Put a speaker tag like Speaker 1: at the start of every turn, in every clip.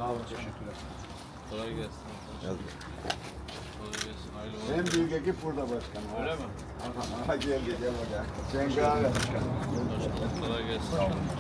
Speaker 1: olun, teşekkürler.
Speaker 2: Kolay gelsin. Kolay gelsin. Hayırlı olsun.
Speaker 3: En büyük ekip burada başkanım.
Speaker 2: Öyle mi?
Speaker 3: Aha geldi gel bakalım. Cengaver.
Speaker 2: Kolay gelsin.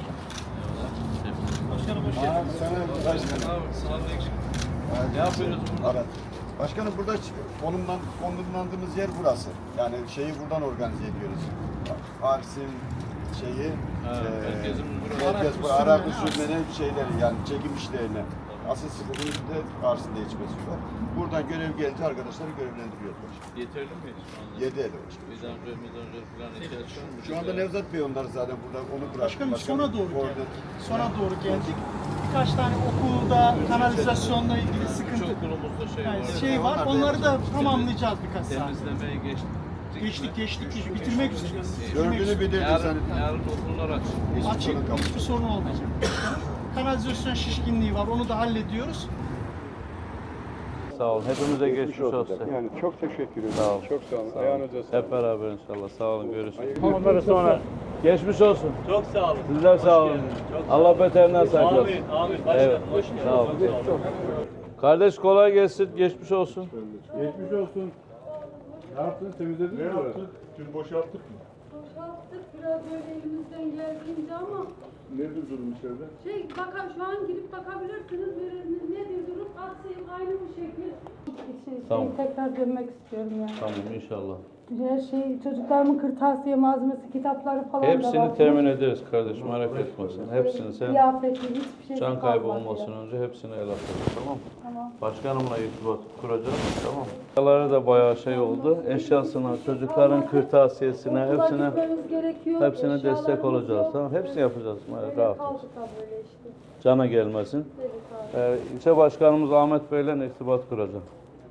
Speaker 1: Başkanım hoş geldiniz.
Speaker 3: Sana başkanım.
Speaker 2: Sağ olun. Ne yapıyoruz burada?
Speaker 3: Evet. Başkanım burada konumlandığımız yer burası. Yani şeyi buradan organize ediyoruz. Arsim şeyi, merkez bu Arap usulüne şeyleri yani çekim işlerini. Asıl sıkıntımız da Arsim'de içmesi var. Buradan görev gelince arkadaşları görevlendiriyoruz başkanım.
Speaker 2: Yeterli mi şu anda?
Speaker 3: 7 el başkanım.
Speaker 2: Midanjör falan ihtiyaç var mı?
Speaker 3: Şu anda Nevzat Bey onlar zaten burada onu bıraktı.
Speaker 1: Başkanım sona doğru
Speaker 3: Orada-
Speaker 1: geldik. Sona doğru geldik. Birkaç tane okulda kanalizasyonla ilgili sıkıntı
Speaker 2: Çok okulumuzda
Speaker 1: yani
Speaker 2: var.
Speaker 1: şey var. Onları da tamamlayacağız birkaç saat.
Speaker 2: Temizlemeye geçtik.
Speaker 1: Geçtik. Bitirmek üzereyiz.
Speaker 3: Dördünü bitirdi sen.
Speaker 2: Yarın okullar açık.
Speaker 1: Açık, hiçbir sorun olmayacak. Kanalizasyon şişkinliği var, onu da hallediyoruz.
Speaker 4: Sağ olun. Hepimize geçmiş olsun.
Speaker 5: Yani çok teşekkür ederim.
Speaker 4: Sağ olun.
Speaker 5: Çok sağ olun.
Speaker 4: Sağ olun.
Speaker 5: Ayağınıza sağlık.
Speaker 4: Hep beraber inşallah. Sağ olun. Görüşürüz. Onları sonra geçmiş olsun.
Speaker 6: Çok sağ olun.
Speaker 4: Sizler sağ olun. Allah beterinden saklasın.
Speaker 6: Amin, amin. Başkanım,
Speaker 4: Evet.
Speaker 6: hoş geldiniz.
Speaker 4: Sağ olun. Kardeş kolay gelsin. Geçmiş olsun.
Speaker 5: Geçmiş olsun. Ne yaptın? Temizledin mi? Ne yaptık? Dün boşalttık mı?
Speaker 7: Boşalttık biraz böyle elimizden geldiğince ama
Speaker 5: Nedir durum içeride?
Speaker 7: şu an girip bakabilirsiniz veriliniz nedir durum aksayım aynı bu şekil.
Speaker 4: Tamam.
Speaker 7: Tekrar dönmek istiyorum yani.
Speaker 4: Tamam inşallah.
Speaker 7: Her şey çocuklarımın kırtasiye malzemesi kitapları falan da var.
Speaker 4: Hepsini temin ederiz kardeşim. Merak etme sen. Hepsini sen
Speaker 7: Kıyafetli hiçbir şey
Speaker 4: can kaybı
Speaker 7: kalmadı
Speaker 4: olmasın
Speaker 7: ya.
Speaker 4: önce hepsini el atarız. Tamam mı?
Speaker 7: Tamam.
Speaker 4: Başkanımla irtibat kuracağız. Tamam mı? Eşyaları da bayağı şey oldu. Eşyasına, çocukların kırtasiyesine,
Speaker 7: Okula
Speaker 4: hepsine
Speaker 7: gitmemiz gerekiyor,
Speaker 4: hepsine destek
Speaker 7: eşyalarımız
Speaker 4: olacağız.
Speaker 7: yok.
Speaker 4: Tamam, hepsini yapacağız.
Speaker 7: Öyle
Speaker 4: Rahat ol.
Speaker 7: kaldık ha böyle işte.
Speaker 4: Cana gelmesin.
Speaker 7: Evet abi.
Speaker 4: İlçe başkanımız Ahmet Bey'le irtibat kuracağım.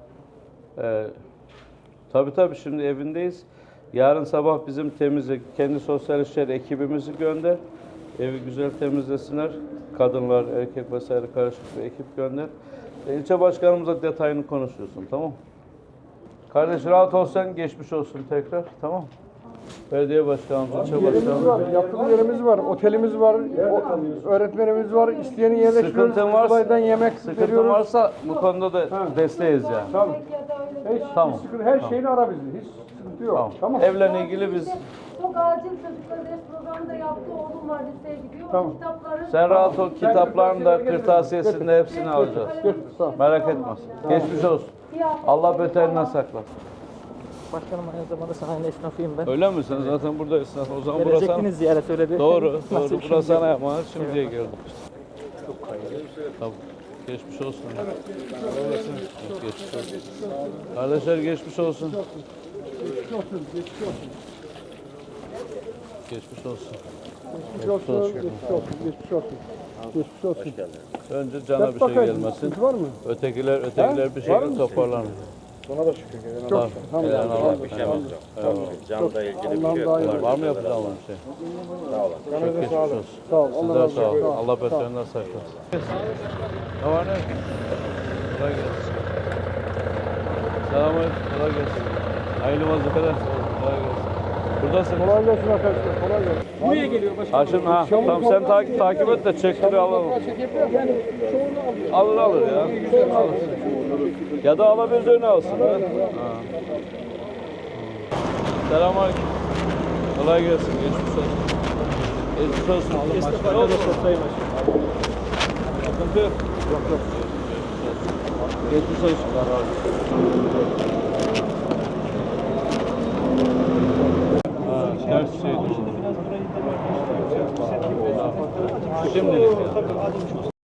Speaker 4: Tabii şimdi evindeyiz. Yarın sabah bizim temizlik, kendi sosyal işler ekibimizi gönder. Evi güzel temizlesinler. Kadınlar, erkek vesaire karışık bir ekip gönder. İlçe başkanımızla detayını konuşuyorsun, tamam mı? Kardeş rahat olsan geçmiş olsun tekrar, tamam mı? Belediye başkanımız, ilçe başkanımız.
Speaker 5: Yatılı yerimiz var, otelimiz var, öğretmenimiz var. İsteyenin yerleştiriyoruz.
Speaker 4: Sıkıntın varsa,
Speaker 5: Kızılay'dan yemek
Speaker 4: sıkıntın
Speaker 5: veriyoruz.
Speaker 4: varsa bu konuda da desteğiz yani.
Speaker 5: Tamam.
Speaker 7: Ya da öyle bir
Speaker 4: Tamam.
Speaker 5: Her şeyini ara bizi. Hiç sıkıntı yok.
Speaker 4: Tamam. Evle ilgili biz...
Speaker 7: Çok acil çocuklar ders programı da yaptı. Oğlum var liseye gidiyor.
Speaker 5: Tamam.
Speaker 7: O kitapları
Speaker 4: Sen rahat ol, kitapların da kırtasiyesini de hepsini alacağız. Merak etme. Geçmiş olsun. Allah beterinden sakla.
Speaker 6: Başkanım aynı zamanda sahne esnafıyım ben.
Speaker 4: Öyle mi? Sen zaten burada esnaf. O zaman burası...
Speaker 6: Gelecektiniz ziyaret öyle bir.
Speaker 4: Doğru.
Speaker 6: Nasip
Speaker 4: Burası
Speaker 6: şimdi.
Speaker 4: sana yapmalar. Şimdiye geldik. Tamam. Geçmiş olsun. Geçmiş olsun. Kardeşler geçmiş olsun. Geçmiş olsun.
Speaker 5: Geçmiş olsun.
Speaker 4: Önce cana bir şey gelmesin.
Speaker 5: Var mı?
Speaker 4: Ötekiler bir şekilde toparlanır.
Speaker 5: Buna da şükür.
Speaker 4: Tamam. Helal olsun.
Speaker 8: Bir şeyimiz yok. Canla ilgili bir şey yok.
Speaker 4: Var mı yapacağım bir şey?
Speaker 8: Sağ olun.
Speaker 4: Çok geçmiş olsun.
Speaker 5: Sağ ol.
Speaker 4: Sizler sağ olun. Allah beterinden saklasın. Ne var ne? Kolay gelsin. Selamünaleyküm. Kolay gelsin. Hayırlı vazifeler. Kolay gelsin. Buradasın.
Speaker 5: Kolay gelsin arkadaşlar. Kolay gelsin.
Speaker 6: Buraya geliyor başkanım.
Speaker 4: Haşim ha. Tamam sen takip et de çekleri alalım. Alır ya. Alır. Ya da alabildiğini alsın. Ha. Selamünaleyküm. Kolay gelsin. Geçmiş olsun. Geçmiş olsun.
Speaker 6: Esnaflarla da sosyayım başkanım.
Speaker 4: Sıkıntı yok. Yok. Geçmiş olsun. Ters şeydi. Şimdilik.